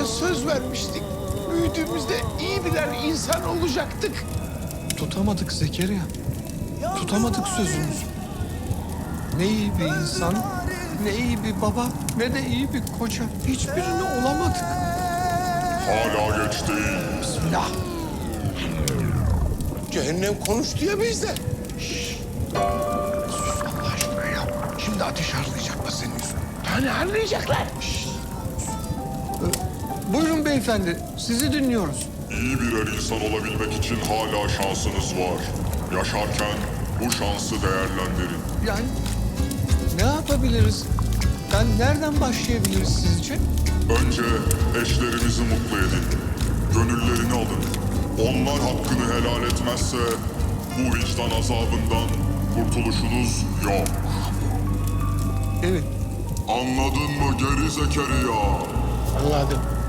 küçükken söz vermiştik. Büyüdüğümüzde iyi birer insan olacaktık. Tutamadık Zekeriya. Tutamadık sözümüzü. Ne iyi bir insan, ne iyi bir baba, ne de iyi bir koca. Hiçbirini olamadık. Hala geç değil. Bismillah. Cehennem konuştu ya bizden. Şşş. Sus Allah aşkına ya. Şimdi ateş harlayacaklar senin yüzünden. Hani harlayacaklar? Şşş. Buyurun beyefendi, sizi dinliyoruz. İyi birer insan olabilmek için hala şansınız var. Yaşarken bu şansı değerlendirin. Yani ne yapabiliriz? Nereden başlayabiliriz sizce? Önce eşlerinizi mutlu edin. Gönüllerini alın. Onlar hakkını helal etmezse bu vicdan azabından kurtuluşunuz yok. Evet. Anladın mı geri Zekeriya? Anladım.